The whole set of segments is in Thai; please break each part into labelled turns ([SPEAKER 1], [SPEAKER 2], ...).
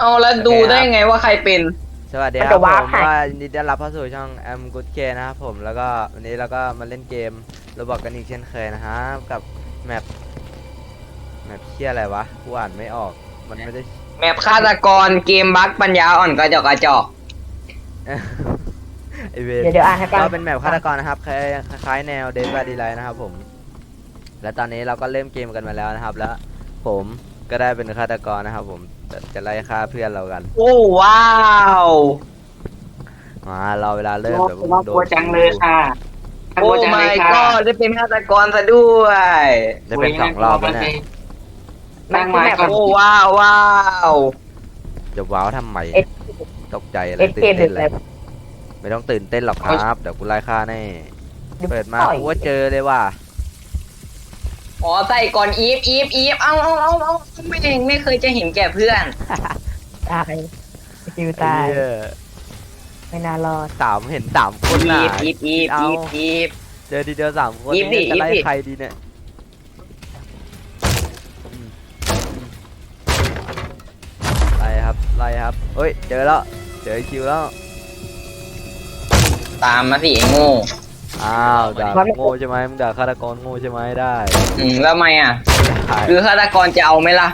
[SPEAKER 1] เอาแล้วดูได้ไงว่าใครเป็น
[SPEAKER 2] สวัสดีครับผมว่ายินดีต้อนรับเข้าสู่ช่อง Am Good K นะครับผมแล้วก็วันนี้เราก็มาเล่นเกมโรบอกกันอีกเช่นเคยนะฮะกับแมปเชี่ยอะไรวะกูอ่านไม่ออกมันไม่ได้
[SPEAKER 1] แมปฆาตกรเกมบั๊กปัญญาอ่อนกระจอกกระจอก
[SPEAKER 2] ไอเว
[SPEAKER 3] เดี๋ยวอ่านให้ฟัง
[SPEAKER 2] ก็เป็นแมปฆาตกรนะครับคล้ายแนว Dead by Daylight นะครับผมและตอนนี้เราก็เริ่มเกมกันมาแล้วนะครับแล้วผมก็ได้เป็นฆาตกรนะครับผมจะไล่ฆ่าเพื่อนเรากัน
[SPEAKER 1] โอ้ว้าว
[SPEAKER 2] เราเวลาเริ่มแบบ
[SPEAKER 4] น่ากลัวจังเลยค่ะน่าก
[SPEAKER 1] โอ้
[SPEAKER 4] ลัวจังเล
[SPEAKER 1] ไม่
[SPEAKER 4] ย
[SPEAKER 1] ก็
[SPEAKER 4] ค่ะ
[SPEAKER 1] ได้เป็นฆาตกรซะด้วย
[SPEAKER 2] ได้เป็น2 รอบแล้วเนี่ย
[SPEAKER 4] นั่งไม้ก่อน
[SPEAKER 1] โอ้ว้าวว้าว
[SPEAKER 2] จะว้าวทำไม
[SPEAKER 3] เอ็ด
[SPEAKER 2] ตกใจอะไร
[SPEAKER 3] เอ็ด
[SPEAKER 2] ตื่
[SPEAKER 3] เก
[SPEAKER 2] น
[SPEAKER 3] ม
[SPEAKER 2] เต้น
[SPEAKER 3] หรือ
[SPEAKER 2] เล
[SPEAKER 3] อะไร
[SPEAKER 2] ยไม่ต้องตื่นเต้นหรอกครับเดี๋ยวกูไล่ฆ่าแน่เปิดมากูว่าเจอเลยว่ะ
[SPEAKER 1] อ๋อใส่ก่อนอีฟเอาไม่เคยจะเห็นแก่เพื่อน
[SPEAKER 3] ตายคิวตาย
[SPEAKER 2] ไอ้เหี้ย
[SPEAKER 3] ไม่น่ารอด
[SPEAKER 2] เห็น3 คนน่ะ
[SPEAKER 1] อีฟ
[SPEAKER 2] เจอทีเดียว3 คน
[SPEAKER 1] อีฟดิ
[SPEAKER 2] จะไล่
[SPEAKER 1] อีฟดิ
[SPEAKER 2] ใครดีเนี่ยไล่ครับเฮ้ยเจอแล้วเจอคิวแล้ว
[SPEAKER 1] ตามมาสิไอ้โง่
[SPEAKER 2] อ้าวด่าโง่ใช่ไหมมึงด่าฆาตกรโง่ใช่ไหมได้
[SPEAKER 1] แล้วทำไมอ่ะ
[SPEAKER 2] ได้
[SPEAKER 1] คือฆาตกรจะเอาไหมล่ะ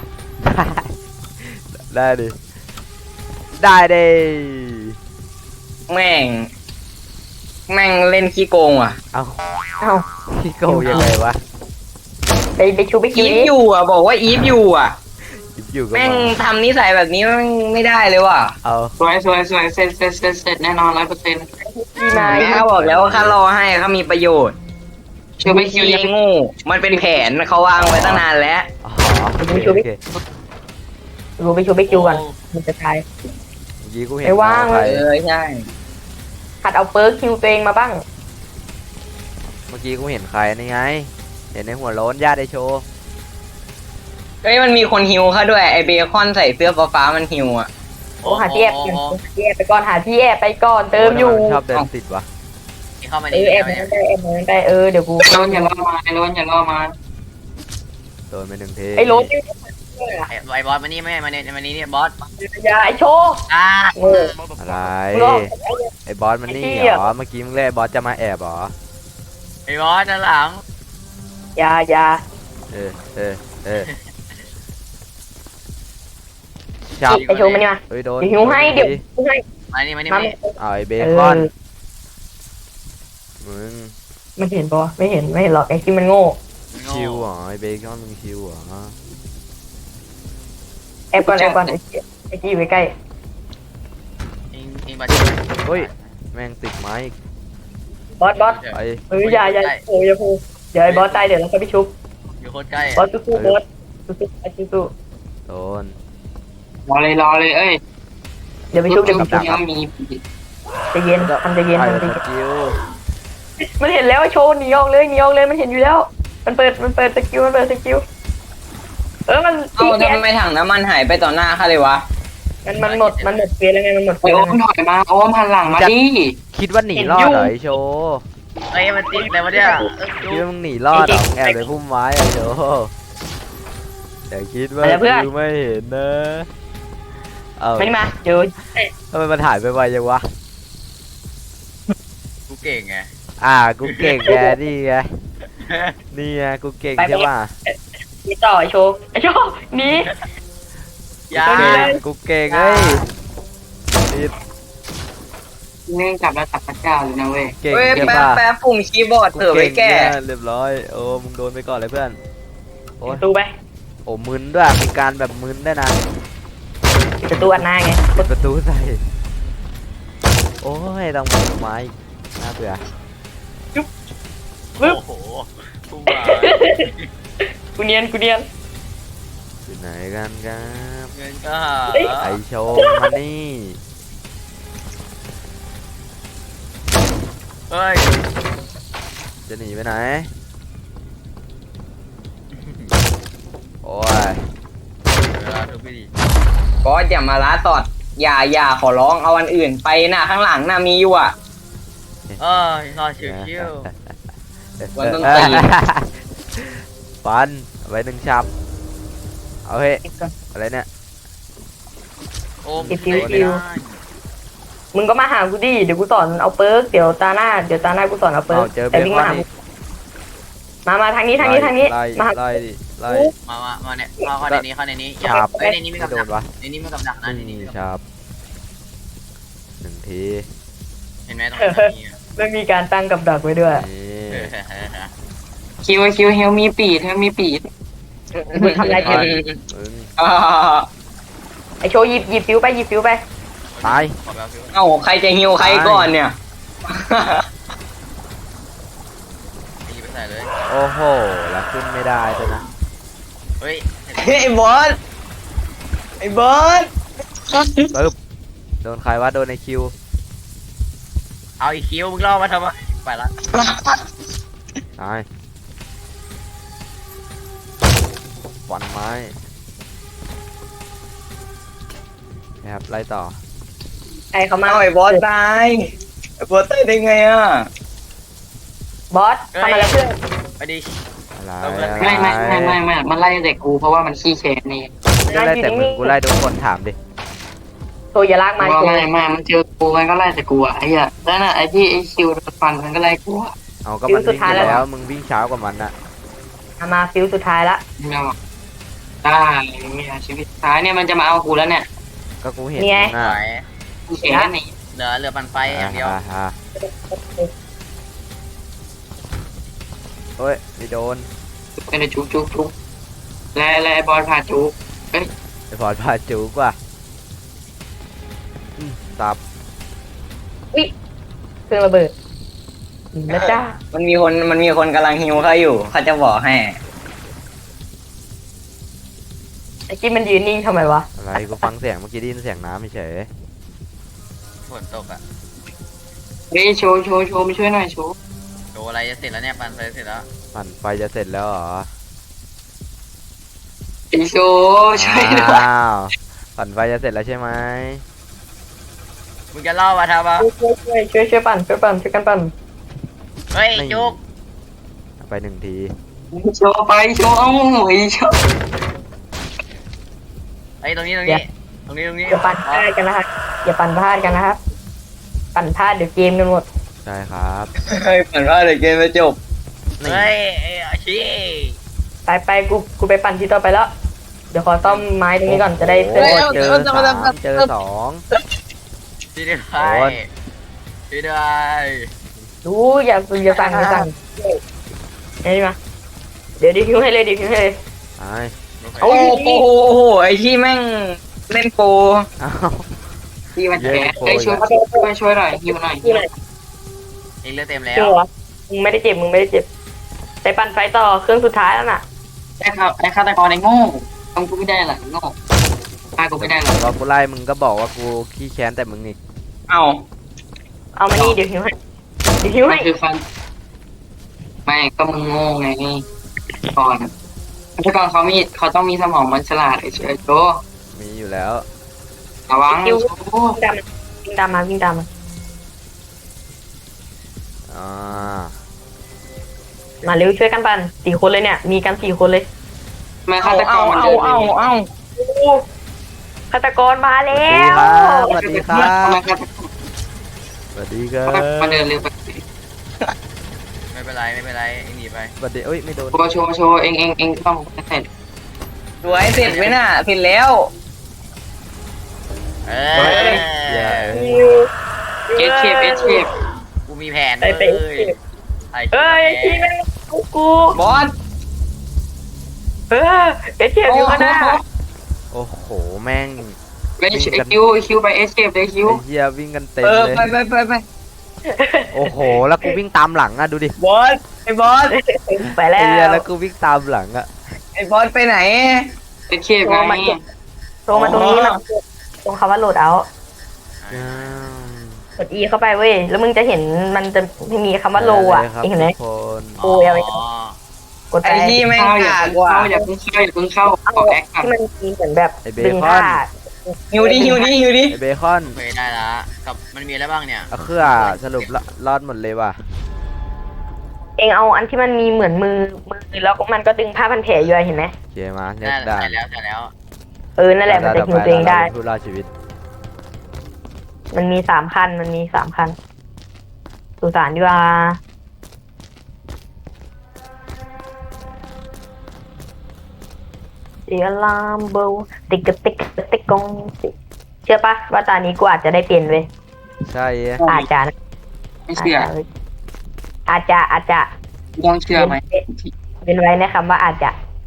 [SPEAKER 2] ได้ดิได้ดิ
[SPEAKER 1] แม่งเล่นขี้โกงอ่ะ
[SPEAKER 2] เอา
[SPEAKER 3] เอ้า
[SPEAKER 2] พี่โกยังไงวะ
[SPEAKER 3] ไปชูไปคิว
[SPEAKER 1] อีฟ
[SPEAKER 3] นี้
[SPEAKER 1] อยู่อ่ะบอกว่าอีฟอยู่อ่ะ
[SPEAKER 2] หยิบอยู่ก็
[SPEAKER 1] แม่ง
[SPEAKER 2] มา
[SPEAKER 1] ทำนิสัยแบบนี้แม่งไม่ได้เลยว่ะ
[SPEAKER 2] เอา
[SPEAKER 4] สวยเสร็จแน่นอน100%
[SPEAKER 3] ที่มา
[SPEAKER 1] แม่ข้าบอกแล้วว่าข้ารอให้เขามีประโยชน์
[SPEAKER 4] ชื่อไม่คิว
[SPEAKER 1] ไอ้โง่มันเป็นแผนเขาวางไว้ตั้งนานแล้ว
[SPEAKER 2] อ๋อโอเคโอเค
[SPEAKER 3] รู้ไปชูไปคิวก่อนมันจะตาย
[SPEAKER 2] เมื่อกี้กูเห็น
[SPEAKER 3] ไม่ว่าง
[SPEAKER 2] ใคร
[SPEAKER 1] ใช่
[SPEAKER 3] หัดเอาเปิร์กคิวตัวเองมาบ้าง
[SPEAKER 2] เมื่อกี้กูเห็นใครนี่ไง เห็นในหัวโล้นญาติไอโชว์
[SPEAKER 1] เฮ้ยมันมีคนฮิวเขาด้วยไอเบคอนใส่เสื้อฟ้าๆมันฮิวอ่ะ
[SPEAKER 3] โอ้หาที่แอบก่อนหาที่แอบไปก่อนหาที่แอบไปก่อนเติมอยู่
[SPEAKER 2] ชอบเดินติดวะ
[SPEAKER 5] เข้ามา
[SPEAKER 3] เอ
[SPEAKER 5] นี่
[SPEAKER 3] อแอบนั้นได้แอบนั้นได้เดี๋ยวกู
[SPEAKER 4] โดนอย่าล่อมาโดนอย่าล่อมา
[SPEAKER 2] โดนไป1 ที
[SPEAKER 3] ไอ้โรถนี่
[SPEAKER 5] ไอ้บอสมานี่ไม่มาเนี่ยมานี่เนี่ยบอส
[SPEAKER 3] อย่าไอ้โชว์
[SPEAKER 5] อ่า
[SPEAKER 3] โง่
[SPEAKER 2] อะไร
[SPEAKER 3] โง่
[SPEAKER 2] ไอ้บอสมันนี่
[SPEAKER 3] ไอ้เหี้
[SPEAKER 2] เหร
[SPEAKER 3] ย
[SPEAKER 2] อเมื่อกี้มึงเล่นไอ้บอสจะมาแอบเหรอ
[SPEAKER 5] ไอ้บอสด้านหลัง
[SPEAKER 3] อย่า
[SPEAKER 2] เออจับ
[SPEAKER 3] ไอ้โชว์มันนี่มา
[SPEAKER 2] เฮ้ยโดน
[SPEAKER 3] เดี๋ยวหิวให้เดี๋ยวหิวให้
[SPEAKER 5] มานี่มานี่
[SPEAKER 3] มา
[SPEAKER 5] มานี่
[SPEAKER 2] เอาไอ้เบคอนมึง
[SPEAKER 3] มันเห็นปะไม่เห็นหรอกไอ้ที่มันโง่
[SPEAKER 2] ชิวเหรอไอ้เบคอนมึงชิวเหรอ
[SPEAKER 3] แอบก่อนไอ้ที่อยู่ใกล้
[SPEAKER 5] อิงบาดเจ็บ
[SPEAKER 2] เฮ้ยแม่งติดไม้อีก
[SPEAKER 3] บอส
[SPEAKER 2] ไป
[SPEAKER 3] อย่าโผล่เดี๋ยวไอ้บอสตายเดี๋ยวเราก็ไปชุบ
[SPEAKER 5] อยู่โคตรใกล้
[SPEAKER 3] บอสสู้บอสสู้ไอ้สู้
[SPEAKER 2] โดน
[SPEAKER 4] รอเลยเอ้ย
[SPEAKER 3] เดี๋ยวไปชุบเดี๋ยวไปชุบ
[SPEAKER 4] ยังมี
[SPEAKER 3] ใจเย็นทำใจเย็น
[SPEAKER 2] ไป
[SPEAKER 3] ทำใจ
[SPEAKER 2] ส
[SPEAKER 3] เย็น
[SPEAKER 2] กิล
[SPEAKER 3] มันเห็นแล้วไอ้โชว์หนีออกเลยมันเห็นอยู่แล้ว มันเปิดสกิลมันเปิดสกิลมัน
[SPEAKER 1] เอา
[SPEAKER 3] แก
[SPEAKER 1] ทำไมถังน้ำมันหายไปต่อหน้าข้าเลยวะ
[SPEAKER 3] มันหมดเฟสแล้วไงมันหมดเฟ
[SPEAKER 4] โอ้
[SPEAKER 3] ส
[SPEAKER 4] ย
[SPEAKER 3] แล้ว
[SPEAKER 4] โอมถอยมาโอมหันหลังมาดิ
[SPEAKER 2] คิดว่าหนีรอดเหรอไอโชว์
[SPEAKER 5] เฮ้ยมันติดแต่ว่าเนี่ย
[SPEAKER 2] คิดว่ามึงหนีรอดเหรอมึงแอบในพุ่มไม้ไอโชว์แต่คิดว่ากูไม่เห็นนะเอา
[SPEAKER 3] ไม่มาเดี๋ยว
[SPEAKER 2] ทำไมมันหายไปไวจังวะ
[SPEAKER 5] กูเก่งไง
[SPEAKER 2] กูเก่งแกนี่ไงนี่ไงกูเก่งใช่ป่ะ
[SPEAKER 3] มีต่อไอ้โชว์หนี
[SPEAKER 5] ยา
[SPEAKER 2] กูเก่งเฮ้ยนี่
[SPEAKER 4] เนื่องจับแล้วจับพระเจ้าเลยนะเว้ย
[SPEAKER 2] เก่ง
[SPEAKER 1] เฮ้ย
[SPEAKER 2] ใช่
[SPEAKER 1] แป๊บ
[SPEAKER 2] ป่ะ
[SPEAKER 1] แป๊บปุ่มคีย์บอร์ดเถอะไว้แก่
[SPEAKER 2] เนี่ยเรียบร้อยโอ้มึงโดนไปก่อนเลยเพื่อนโอ้ย
[SPEAKER 3] ประตูไป
[SPEAKER 2] โอ้มึนด้วยมีการแบบมึนได้วยนะ
[SPEAKER 3] ปิดประตูอันหน้าไง
[SPEAKER 2] เปิดประตูใส่โอ้ยต้องมาไม้อีกน่าเบื่อ
[SPEAKER 5] โอ้โหกูมา
[SPEAKER 3] กูเนียน
[SPEAKER 2] อยู่ไหนกันครับ
[SPEAKER 5] เงินก็หา
[SPEAKER 2] ไอโชว์มานี่
[SPEAKER 5] เฮ้ย
[SPEAKER 2] จะหนีไปไหนโอ้ย
[SPEAKER 5] เวลาทุกวิธี
[SPEAKER 1] บอสอย่ามาล้าตอดอย่าขอร้องเอาอันอื่นไปน่ะข้างหลังน่ะมีอยู่อ่ะ
[SPEAKER 5] นอนชิว
[SPEAKER 1] วันต้องตี
[SPEAKER 2] ฟันเอาไว้1 ชับเอาเฮ้ยอะไรเนี่ย
[SPEAKER 5] โอ้ม
[SPEAKER 3] คิว
[SPEAKER 5] ไม่ได้
[SPEAKER 3] มึงก็มาหากูดิเดี๋ยวกูสอนเอาเปิร์กเดี๋ยวตาหน้ากูสอนเอาเปิร์
[SPEAKER 2] เอา
[SPEAKER 3] ก
[SPEAKER 2] เจอเบ
[SPEAKER 3] แต่วิ่ง
[SPEAKER 2] คอ
[SPEAKER 3] มาน หา
[SPEAKER 2] อี
[SPEAKER 3] กู
[SPEAKER 2] ก
[SPEAKER 3] มาทางนี้ทางนี้
[SPEAKER 2] ไล่
[SPEAKER 3] มาหา
[SPEAKER 2] ไล่ดิไล่
[SPEAKER 5] มาเนี่ยเข้าในนี้อย่า
[SPEAKER 2] ครับ
[SPEAKER 5] เอ้ยในนี้มี
[SPEAKER 2] ไม่
[SPEAKER 5] กับ
[SPEAKER 2] โด
[SPEAKER 5] ดั
[SPEAKER 2] น
[SPEAKER 5] ก
[SPEAKER 2] วะ
[SPEAKER 5] ในนี้มีกับดักนะในนี้มี
[SPEAKER 2] นี่
[SPEAKER 5] กับ
[SPEAKER 2] ค
[SPEAKER 5] ดัก
[SPEAKER 2] รับหนึ่งที
[SPEAKER 5] เห็นไหมตรงนี้
[SPEAKER 3] ไม่มีการตั้งกับดักไว้ด้วย
[SPEAKER 2] นี่
[SPEAKER 4] คิวเฮลมีปีดเฮลมีปีด
[SPEAKER 3] มึงทำอะไรกัน
[SPEAKER 2] มึง
[SPEAKER 1] อ่า
[SPEAKER 3] ไอโชว์หยิบฟิวไป
[SPEAKER 2] ตาย
[SPEAKER 5] ขอแบบฟิว
[SPEAKER 1] เอ้าใครจะฮิวใครก่อนเนี่ย
[SPEAKER 5] ยิงไปใส่เลย
[SPEAKER 2] โอ้โหแล้วขึ้นไม่ได้เลยนะ
[SPEAKER 5] เฮ้ย
[SPEAKER 1] เฮ้ยไอ้บอสไอ้บอส
[SPEAKER 2] ปึ๊บโดนใครวะโดนในคิว
[SPEAKER 5] เอาอีคิวมึงล่อมาทำไมไปละ
[SPEAKER 2] ตายฟันไม้นะครับไล่ต่อ
[SPEAKER 3] ไอเขามา
[SPEAKER 1] เอาไอ้บอสตายไอ้บอสตายได้ไงอ่ะ
[SPEAKER 3] บอสทำอะไรเพื่อน
[SPEAKER 5] ไปดิ
[SPEAKER 2] อะไร
[SPEAKER 4] ไม่มันไล่เด็กกูเพราะว่ามันขี้แค้นนี่
[SPEAKER 2] ไม่ไล่แต่มึงกูไล่ทุกคนถามดิ
[SPEAKER 3] โชว์อย่าลากมา
[SPEAKER 4] ว่า
[SPEAKER 3] โชว์
[SPEAKER 4] ไม่มันเจอกูมันก็ไล่แต่กูอ่ะไอ้เหี้ยแล้วน่ะไอ้ที่ไอ้คิวโดนฟันมันก็ไล่กูอ่ะ
[SPEAKER 2] เอาก็มันวิ่งไปแล้วมึงวิ่งช้ากว่ามันน่ะ
[SPEAKER 3] มาฟิวสุดท้ายละ
[SPEAKER 4] เนี่ยได้เนี่ยชีวิตท้ายเนี่ยมันจะมาเอากูแล้วเนี่ย
[SPEAKER 2] ก็กูเห็น
[SPEAKER 3] นี่ไง
[SPEAKER 2] น่ะ
[SPEAKER 5] ไหว
[SPEAKER 4] กูแค้นนี่
[SPEAKER 5] เหลือปั่นไฟอย่างเดียว
[SPEAKER 2] อ่าเฮ้ยไม่โดน
[SPEAKER 4] เป็นจุกและไอ้บอลพาจุก
[SPEAKER 2] ไอ้พอดพาจูกว่าตับ
[SPEAKER 3] เครื่องระเบิดแล้วจ้า
[SPEAKER 1] มันมีคนกำลังฮิวเขาอยู่เขาจะบอกให้
[SPEAKER 3] ไอกิ๊มันยืนนิ่งทำไมวะ
[SPEAKER 2] อะไรกูฟังเสียงเมื่อกี้ได้ยินเสียงน้ำเฉย
[SPEAKER 5] ฝนตกอ่ะ
[SPEAKER 4] เฮ้ยโชว์มาช่วยหน่อยโชว์
[SPEAKER 5] โดอะไรจะเสร็จแล้วเนี่ยปั่นไฟเสร็จแล้ว
[SPEAKER 2] ปั่นไฟจะเสร็จแล้วเหรอ
[SPEAKER 4] ไอ้โชว์ช่วยหน่อย
[SPEAKER 2] อ้าวปั่นไฟจะเสร็จแล้วใช่ไหม
[SPEAKER 5] มึงจะล่อมาทำปะ
[SPEAKER 3] ช่วยปั่นช่วยกันปั่น
[SPEAKER 5] เฮ้ยจุก
[SPEAKER 2] ไปหนึ่งที
[SPEAKER 4] โชว์ไปโชว์เอาไอ้โชว์
[SPEAKER 5] ไอ้ตรงนี้
[SPEAKER 3] อย่าปั่นพลาดกันนะครับอย่าปั่นพลาดกันนะครับปั่นพลาดเดี๋ยวเกมกันหมด
[SPEAKER 2] ใช่ครับ
[SPEAKER 1] เฮ้ยฝันว่าเดี๋ยวเกมจะจบ
[SPEAKER 2] นี่
[SPEAKER 5] เฮ้ยอาชี
[SPEAKER 3] ไปกูไปปั่นที่ต่อไปแล้ว เดี๋ยวขอซ่อมไม้ตรงนี้ก่อนจะได้เพื่อน
[SPEAKER 2] โอ้
[SPEAKER 3] หมด
[SPEAKER 2] เจอ3เจอ2
[SPEAKER 5] ช่วยด้วย
[SPEAKER 2] โอน
[SPEAKER 5] ช่วยด้วย
[SPEAKER 3] ดูอย่าสั่งนี่มาเดี๋ยวดิพิวให้เลย
[SPEAKER 2] ไป
[SPEAKER 1] โอ้โหไอ้ที่แม่งเล่นโปร
[SPEAKER 2] อ้าว
[SPEAKER 4] ที่มันแค้นไอ้ช่วยหน่อยฮิวหน่อย
[SPEAKER 5] เองเลือดเต็มแล้ว
[SPEAKER 3] จริงเหรอมึงไม่ได้เจ็บไปปั่นไฟต่อเครื่องสุดท้ายแล้วน่ะ
[SPEAKER 4] ไอ้ฆาตกรไอ้โง่ทำกูไม่ได้หรอกโง่ฆ่ากูไม่ได้หรอก
[SPEAKER 2] พอกูไล่มึงก็บอกว่ากูขี้แค้นแต่มึงนี่
[SPEAKER 1] เอา
[SPEAKER 3] เอามานี่เดี๋ยวพิวให้
[SPEAKER 4] มันคือฟันไม่ก็มึงโง่ไงก่อนฆาตกรเขาต้องมีสมองมันฉลาดไอ้เฉยโต
[SPEAKER 2] มีอยู่แล้ว
[SPEAKER 4] ระวังโชว์
[SPEAKER 3] วิ่งตามมา
[SPEAKER 2] อ่า
[SPEAKER 3] มาเร็วช่วยกันปั่น4 คนเลยเนี่ยมีกัน4 คนเลย
[SPEAKER 4] ไม่ฆาตกรมันเดิน
[SPEAKER 1] เอา
[SPEAKER 3] ฆาตกรมาแล้
[SPEAKER 2] สวัสดีครับ
[SPEAKER 3] ว
[SPEAKER 2] สวัสดีครับ
[SPEAKER 4] มันเดินเร็วไป
[SPEAKER 5] ไม่เป็นไรเองหนีไป
[SPEAKER 2] สวัสดีเอ้ยไม่โดน
[SPEAKER 4] โชว์เองต้องเสร็จ
[SPEAKER 1] สวยเสร็จไหมน่ะเสร็จแล้ว
[SPEAKER 5] เอ
[SPEAKER 2] อย่า
[SPEAKER 4] เอชเคป
[SPEAKER 5] กูมีแผน
[SPEAKER 3] ไป
[SPEAKER 5] เลยไอ้
[SPEAKER 3] เอ้ยที่แม่งกู
[SPEAKER 1] บอส
[SPEAKER 3] เอเชียอยู่ข้างหน้า
[SPEAKER 2] โอ้โหแม่ง
[SPEAKER 4] ไปคิวไปเอชเคปเลยคิว
[SPEAKER 2] ไอ้เหี้ยวิ่งกันเต็ม
[SPEAKER 1] เออ
[SPEAKER 2] เลย
[SPEAKER 1] ไป
[SPEAKER 2] โอ้โหแล้วกูวิ่งตามหลังอะดูดิ
[SPEAKER 1] บอสไอ้บอส
[SPEAKER 3] ไปแล้
[SPEAKER 2] ไอ้เหี้ยว แล้วกูวิ่งตามหลังอะ
[SPEAKER 1] ไอ้บอสไปไหน
[SPEAKER 4] เอชเคปไง
[SPEAKER 3] โทรมาตรงนี้มันตรงคำว่าโหลดเอา
[SPEAKER 2] อ้าว
[SPEAKER 3] กด E เข้าไปเว้ยแล้วมึงจะเห็นมันจะไม่มีคำว่าโลอ่ะ
[SPEAKER 2] ได้เลยครับ
[SPEAKER 3] เห็นไหม
[SPEAKER 2] ทุกคน
[SPEAKER 3] โอ้ยเอาไว้ กดไป
[SPEAKER 1] ไอ้ที่แม่ง
[SPEAKER 4] เข้าอย่าก
[SPEAKER 1] ากว่ะ
[SPEAKER 4] อย่าเพิ่งเข้าขอแอคก่อน
[SPEAKER 3] ที่มันมีเหมือนแบบ
[SPEAKER 2] ไอ้เบ
[SPEAKER 3] ดึง
[SPEAKER 2] คอ
[SPEAKER 3] ผ้าน
[SPEAKER 1] หิวดิ
[SPEAKER 2] ไอ้เบคอน
[SPEAKER 5] เคยได้ละกับมันมีอะไรบ้างเนี่ย
[SPEAKER 2] เอาเครือสรุปรอดหมดเลยว่ะ
[SPEAKER 3] เองเอาอันที่มันมีเหมือนมือแล้วมันก็ดึงผ้าพันแผลอยู่อะเห็นไหม
[SPEAKER 2] โอเคมาเน็ต
[SPEAKER 5] ได้
[SPEAKER 2] ได้
[SPEAKER 5] แล้ว
[SPEAKER 3] นั่นแหละมันจะหิวตัวเองได้
[SPEAKER 2] ผู้รอดชีวิต
[SPEAKER 3] มันมี3 คันสุสานดีกว่าเสียลามเบลติ๊กกะติ๊กกะติ๊กกงเชื่อปะว่าตอนนี้กูอาจจะได้เปลี่ยนเว้ย
[SPEAKER 2] ใช่
[SPEAKER 3] อาจจะนะ
[SPEAKER 4] ไม่เชื่อ
[SPEAKER 3] อาจจะ
[SPEAKER 4] ต้องเชื่อไหม
[SPEAKER 3] เป็นไว้ในคำว่าอาจจะ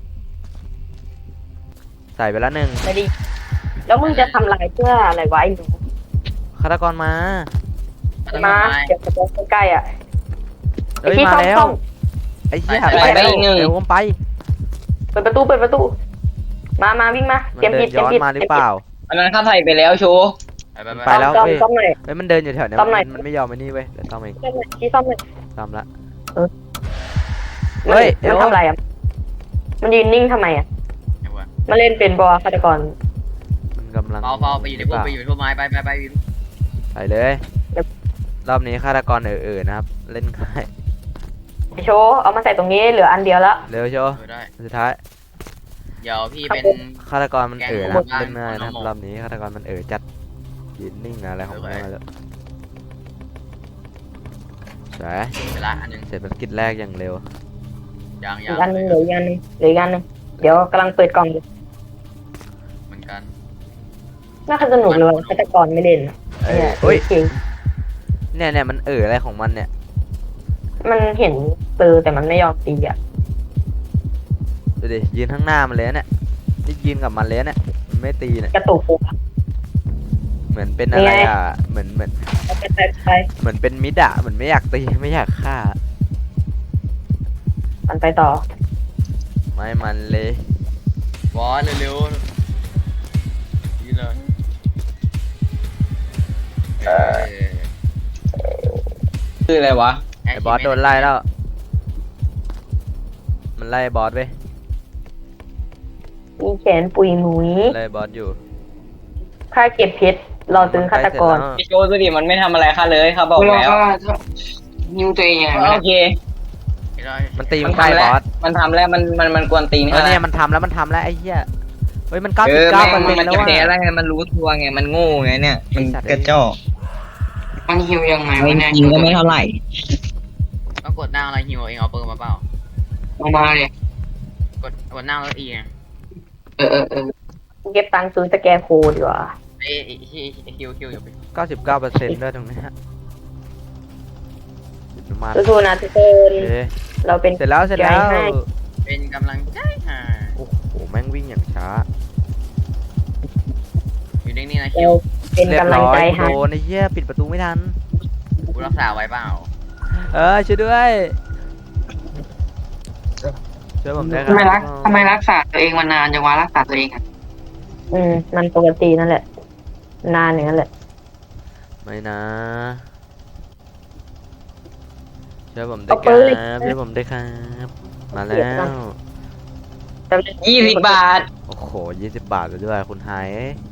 [SPEAKER 2] ใส่ไปแล้วหนึ่ง
[SPEAKER 3] ไม่ดีแล้วมึงจะทำลายเพื่ออะไรวะไอ้หนู
[SPEAKER 2] ฆาตกรมา
[SPEAKER 3] มาเก็บกระโปรงใกล้ๆอ่ะ
[SPEAKER 2] เอ้ย
[SPEAKER 3] ที่
[SPEAKER 2] มาแล้ว
[SPEAKER 3] ซ่อม
[SPEAKER 2] ไอ้เหี้ย
[SPEAKER 1] ไปอีกหนึ่ง
[SPEAKER 2] เดี๋ยวผมไป
[SPEAKER 3] เปิดประตู มาวิ่งมา
[SPEAKER 2] มัน
[SPEAKER 3] เตรียม
[SPEAKER 2] เดิ
[SPEAKER 3] ผิ
[SPEAKER 2] น
[SPEAKER 3] ดเตรี
[SPEAKER 2] ย้
[SPEAKER 3] ยม
[SPEAKER 2] อน
[SPEAKER 3] ผิด
[SPEAKER 2] มาหรือเปล่า
[SPEAKER 1] อันนั้นข้าใส่ไปแล้วโชว์
[SPEAKER 2] ไปแล้ว
[SPEAKER 3] ซ่อม
[SPEAKER 2] เว้ย
[SPEAKER 3] ซ่อมหน่อย
[SPEAKER 2] เฮ้ยมันเดินอยู่แถวเนี้ย
[SPEAKER 3] ซ่อมหน่อย
[SPEAKER 2] มันไม่ยอมไอ้นี่เว้ยเดี๋ยวซ่อมเอง
[SPEAKER 3] ที่ซ่อมหน่อย
[SPEAKER 2] ซ่อมละ
[SPEAKER 3] เออ
[SPEAKER 2] เฮ้ยเดี๋
[SPEAKER 3] มั
[SPEAKER 2] ย
[SPEAKER 3] น
[SPEAKER 2] ว
[SPEAKER 3] ทำอะไรอ่ะมันยืนนิ่งทำไมอ่ะมาเล่นเป็นบอฆาตกร
[SPEAKER 2] มันกำลัง
[SPEAKER 5] เบาๆไปอยู่ในพวกไม้ไปอยู่
[SPEAKER 2] ไปเลย รอบนี้ฆาตกรนะครับ เล่นง่าย
[SPEAKER 3] โชว์เอามาใส่ตรงนี้เหลืออันเดียวแล้ว
[SPEAKER 2] เร็วโชว์
[SPEAKER 5] ได้
[SPEAKER 2] สุดท้าย
[SPEAKER 5] เดี๋ยวพี่เป็น
[SPEAKER 2] ฆาตกรมันนะครับ
[SPEAKER 5] แกง
[SPEAKER 2] เล่นง่ายนะครับ
[SPEAKER 5] หมด
[SPEAKER 2] รอบนี้ฆาตกรมันจัดยืนนิ่งอะไรของมันมาแล้วสวย
[SPEAKER 5] เวลาอันนึง
[SPEAKER 2] เสร็จภารกิจแรกอย่างเร็ว
[SPEAKER 5] ยัง
[SPEAKER 3] อีกอันหนึงเหลืออีกอันหนึงเดี๋ยวกำลังเปิดกล่องอยู่
[SPEAKER 5] เหมือนกัน
[SPEAKER 3] น่าจะสนุกเลยฆาตกรไม่เล่นอะ
[SPEAKER 2] เอ้ย
[SPEAKER 3] เนี่ย
[SPEAKER 2] เฮ้ย
[SPEAKER 3] จริง
[SPEAKER 2] เนี่ยมันอะไรของมันเนี่ย
[SPEAKER 3] มันเห็นปืนแต่มันไม่ยอมตีอ่ะ
[SPEAKER 2] ดูดิยืนข้างหน้ามันเลยนะเนี่ยนี่ยืนกับมันเลยนะเนี่ยมันไม่ตีเนี่ย
[SPEAKER 3] กระตุกหัว
[SPEAKER 2] เหมือนเป็นอะไร
[SPEAKER 3] นี่ไง
[SPEAKER 2] อ่ะเหมือน
[SPEAKER 3] ไป
[SPEAKER 2] เหมือนเป็นมิดอะเหมือนไม่อยากตีไม่อยากฆ่า
[SPEAKER 3] มันไปต่อ
[SPEAKER 2] ไม่มันเลย
[SPEAKER 5] บอสเร็วๆยืนเลย
[SPEAKER 1] คืออะไรวะ
[SPEAKER 2] ไอ้บอสโดนไล่แล้ว มันไล่บอสเว้ย
[SPEAKER 3] มีแขนปุยหมุย
[SPEAKER 2] ไล่บอสอยู่
[SPEAKER 3] ค่าเก็บเพชรรอซื้อฆาตกร
[SPEAKER 2] มันใล้เสจแล้ว
[SPEAKER 1] ไอโชว์ดูดิมันไม่ทำอะไรข้าเลยข้าบอก
[SPEAKER 4] เรา
[SPEAKER 1] แล้ว
[SPEAKER 4] ก็นิ้วตัวเองไง
[SPEAKER 1] โอเค
[SPEAKER 2] มันตี
[SPEAKER 1] มั
[SPEAKER 2] มัน
[SPEAKER 1] น
[SPEAKER 2] ใกล้
[SPEAKER 1] ทำ
[SPEAKER 2] บ
[SPEAKER 1] แล้ว
[SPEAKER 2] อส
[SPEAKER 1] มันทำแล้วมันกวนตีน
[SPEAKER 2] เอ
[SPEAKER 1] ข้า
[SPEAKER 2] อ
[SPEAKER 1] แล้
[SPEAKER 2] เนี่
[SPEAKER 1] วย
[SPEAKER 2] มันทำแล้วไอ้เหี้ยเฮ้ยมัน
[SPEAKER 1] เออ
[SPEAKER 2] 99%
[SPEAKER 1] มัน
[SPEAKER 2] แล้ว
[SPEAKER 1] จะ
[SPEAKER 2] ว่ะ
[SPEAKER 1] แพ้แล้วไงมันรู้ตัวไงมันโง่ไงเนี่ยมันกระจอก
[SPEAKER 4] มันฮิวยังไง
[SPEAKER 1] ไม่
[SPEAKER 4] วะเนี่ย
[SPEAKER 1] จริงก็ไม่เท่าไหร่
[SPEAKER 5] ต้องกดหน้าอะไรฮิวเองเอาปืนมาเปล่า
[SPEAKER 4] ลงมาเลย
[SPEAKER 5] กดหน้าแล้วอีไง
[SPEAKER 4] เออ
[SPEAKER 3] เก็บตังค์ซื้อสแกนโคดดีกว่า
[SPEAKER 5] ไอ้คิวอยู่ไป
[SPEAKER 2] 99%ด้วยตรงเนี้ยประมาณ
[SPEAKER 3] สู้ๆนะทุกคน
[SPEAKER 2] เอ๊ะ
[SPEAKER 3] เราเป็น
[SPEAKER 2] เสร็จแล้ว
[SPEAKER 3] ใจให้
[SPEAKER 5] เป็นกำลังใจหา
[SPEAKER 2] โอ้โหแม่งวิ่งอย่างช้า
[SPEAKER 5] อยู่นิ่งๆนะคิ
[SPEAKER 3] เรา
[SPEAKER 5] ว
[SPEAKER 3] เป็น
[SPEAKER 2] เรียบ
[SPEAKER 3] กำลัง
[SPEAKER 2] ร้อ
[SPEAKER 3] ใจ
[SPEAKER 2] ย
[SPEAKER 3] ให้
[SPEAKER 2] โดนไอ้เหี้ยปิดประตูไม่ทัน
[SPEAKER 5] กูรักษาไว้เปล่า
[SPEAKER 2] ช่วยด้วยช่วยผมด้วยค
[SPEAKER 4] ทำไม
[SPEAKER 2] รั
[SPEAKER 4] ทำไมรักษาตัวเองมานานจังวะรักษาตัวเองอ่ะ
[SPEAKER 3] มันปกตินั่นแหละ นานอย่างนั้นแหละ
[SPEAKER 2] ไม่นะช่วยผมด้ว
[SPEAKER 3] เอา
[SPEAKER 2] ยค
[SPEAKER 3] ปื
[SPEAKER 2] รั
[SPEAKER 3] น
[SPEAKER 2] บช่วยผมด้วยครับมาแล้ว
[SPEAKER 1] 20 บาท
[SPEAKER 2] โอ้โห20 บาทเลยด้วยคุณไฮ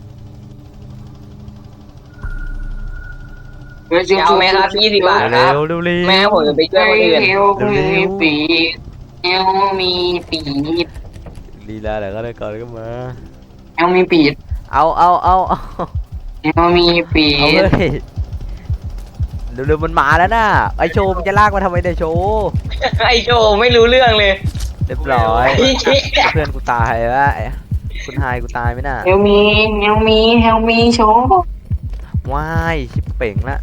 [SPEAKER 1] เอาไหมครับ20 บาทค
[SPEAKER 2] เร็
[SPEAKER 1] รับ
[SPEAKER 2] วเร็วเร็ว
[SPEAKER 1] แม่ผมจะไปช่วยคนอื่น
[SPEAKER 4] เอวมีปีดเอวมีปีด
[SPEAKER 2] ลีลาเดี๋ยวก็ได้ก่อนก็มา
[SPEAKER 4] เอวมีปีด
[SPEAKER 2] เอา
[SPEAKER 4] เอวมีปี
[SPEAKER 2] เอา
[SPEAKER 4] ด
[SPEAKER 2] เลยเร็วๆมันมาแล้วน่ะไอโชว์มันจะลากมาทำไมเนี่ยโชว์
[SPEAKER 1] ไอโชว์ไม่รู้เรื่องเลย
[SPEAKER 2] เรียบร้อย
[SPEAKER 1] ไอ้เหี้ย
[SPEAKER 2] เพื่อนกูตายแล้วคุณไฮกูตายไหมน่ะ
[SPEAKER 4] เอวมีโชว์
[SPEAKER 2] ว้ายชิบเป่งละ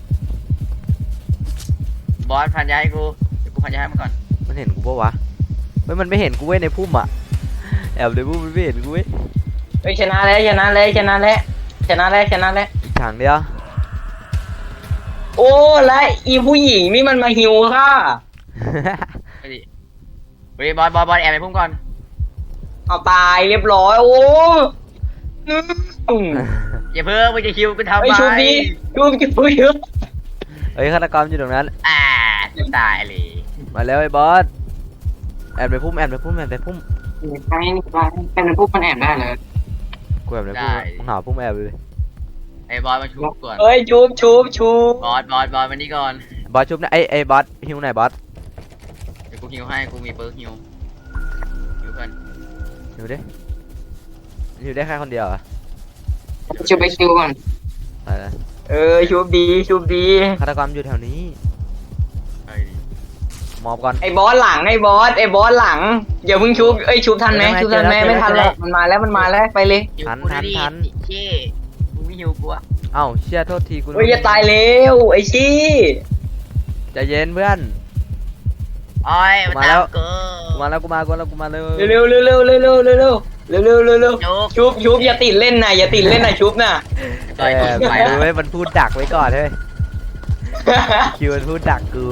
[SPEAKER 5] บอสพันยาให้กูเดี๋ยวกูพันยาให้มันก่อน
[SPEAKER 2] มันเห็นกูปะวะเฮ้ยมันไม่เห็นกูเว้ยในพุ่มอ่ะแอบในพุ่มมันไม่เห็นกูเว้ย
[SPEAKER 1] เฮ้ยชนะแล้วชนะแล้วชนะแล้วชนะแล้วชนะแล้ว
[SPEAKER 2] อีกทางเดียว
[SPEAKER 1] โอ้และอีผู้หญิงนี่มันมาหิวค่ะ
[SPEAKER 5] ไปดิเฮ้ยบอสแอบไปพุ่มก่อน
[SPEAKER 1] เอาตายเรียบร้อยโอ้อืม
[SPEAKER 5] อย่าเพิ่งไปจะคิวกูทำ
[SPEAKER 1] ไอ
[SPEAKER 5] ไม
[SPEAKER 1] ชุบดีชุบชุบเยอะ
[SPEAKER 2] เฮ้ยฆาตกรอยู่ตรงนั้น
[SPEAKER 5] ตายเลย
[SPEAKER 2] มาแล้วไอ้บอสแอบในพุ่มแอบในพุ่มแอบในพุ่ม
[SPEAKER 4] ไปเป็นพวกมันแอบได้เลย
[SPEAKER 2] กูแอบในพุ่มมึงหาพุ่มแอบเลย
[SPEAKER 5] ไอ้บอสมาชุบก่อน
[SPEAKER 1] เฮ้ยชุบชุบชุบบ
[SPEAKER 5] อสมานี่ก่อน
[SPEAKER 2] บอสชุบนะไอ้บอสฮิวไหนบอส
[SPEAKER 5] เดี๋ยวกูฮิวให้กูมีเปิร์กฮิวเพื่อน
[SPEAKER 2] ฮิวดิฮิวได้แค่คนเดียวเหรอ่ะ
[SPEAKER 4] จะไปคิวก่อน
[SPEAKER 2] ไปเลย
[SPEAKER 1] เชุบดีชุบดี
[SPEAKER 2] ฆาตกรอยู่แถวนี้
[SPEAKER 5] ไอ้
[SPEAKER 2] มอบก่อน
[SPEAKER 1] ไอ้บอสหลังไอ้บอสหลังอย่าเพิ่งชุบชุบทันไหมชุบทันไหมไม่ทันแล้วมันมาแล้วไปเลย
[SPEAKER 5] หิวกูดิเช่มึงไม่หิวกูอะ
[SPEAKER 2] เอ้าเชี่ยโทษทีกู
[SPEAKER 1] อย่าตายเร็วไอ้ชี้
[SPEAKER 2] ใจเย็นเพื่อน
[SPEAKER 5] โอ้ยมันตามกู
[SPEAKER 2] กูมาเลย
[SPEAKER 1] เร็วชุบอย่าติดเล่นนะชุบนะ
[SPEAKER 5] ต่อยกู
[SPEAKER 2] ไป
[SPEAKER 5] ไป
[SPEAKER 2] ดู
[SPEAKER 5] แล้ว
[SPEAKER 2] ไว้มันพูดดักไว้ก่อนเฮ้ยคิวมันพูดดักกู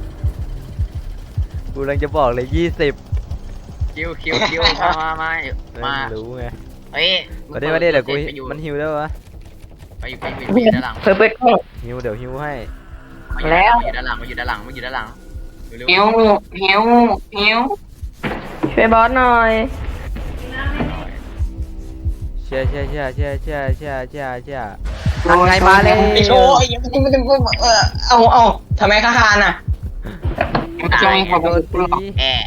[SPEAKER 2] กำลังจะบอกเลย20
[SPEAKER 5] คิวมา
[SPEAKER 2] ไม่รู้ไง
[SPEAKER 5] เฮ้ย
[SPEAKER 2] มาดิเดี๋ยวกูมันฮิวได้ปะ
[SPEAKER 5] ไปอยู่ด้านหลัง
[SPEAKER 3] เปิดกล้อง
[SPEAKER 2] ฮิวเดี๋ยวฮิวให้
[SPEAKER 5] มาอยู่ด้านหลังเร็ว
[SPEAKER 4] เฮลเฮลเฮล
[SPEAKER 3] ช่วยบอสหน่อย
[SPEAKER 2] เชี่ยไงมาเลย
[SPEAKER 1] ไอ้โชว์เอาทำไมข้าคานอ่ะ
[SPEAKER 4] มันจะมีคนมาชุบกูหรอก
[SPEAKER 5] แอะ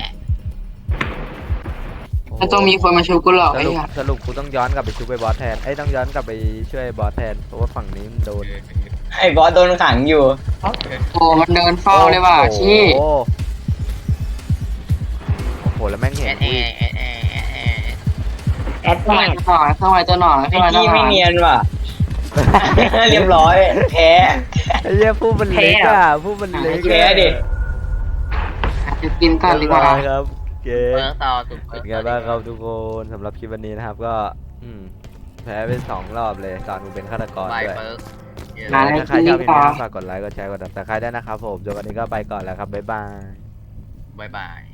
[SPEAKER 4] มันต้องมีคนมาชุบกูหรอกไอ้ห่า
[SPEAKER 2] สรุปกูต้องย้อนกลับไปช่วยบอสแทนต้องย้อนกลับไปช่วยบอสแทนเพราะว่าฝั่งนี้มันโดน
[SPEAKER 1] ไอ้บอสโดนขังอยู่
[SPEAKER 4] โอ้มันเดินเฝ้าเลยว่ะชี้
[SPEAKER 2] โอ้โหแล้วแม่งเห็นกูอีก
[SPEAKER 3] แอด
[SPEAKER 4] เข้า
[SPEAKER 3] แอ
[SPEAKER 4] มา
[SPEAKER 3] ด
[SPEAKER 4] ตัวหน่อยเข้ามาตัวหน่อย
[SPEAKER 1] ไอ้
[SPEAKER 4] เข้ามาตัว
[SPEAKER 1] กี้
[SPEAKER 4] หน่
[SPEAKER 1] ไม่
[SPEAKER 4] อย
[SPEAKER 1] เนียนว่ะ เรียบร้อยแพ้
[SPEAKER 2] ไอ้เหี้ยผู้มันเล็กอ่ะผู้มันเล็ก
[SPEAKER 1] แพ้ดิ
[SPEAKER 4] จะกินก่อนดีกว่า
[SPEAKER 2] ครับเก๋
[SPEAKER 5] เปิดต่อสุด
[SPEAKER 2] เป็นไงบ้างครับทุกคนสำหรับคลิปวันนี้นะครับก็แพ้ไป2 รอบเลยตอนกูเป็นฆาตกร
[SPEAKER 5] ไป
[SPEAKER 2] ด้วย
[SPEAKER 5] เปิด
[SPEAKER 2] ถ้าใครชอบคลิปนี้ฝากกดไลค์กดแชร์กดติดตามใครได้วยนะครับผมจนวันนี้ก็ไปก่อนแล้วครับบ๊ายบาย
[SPEAKER 5] บาย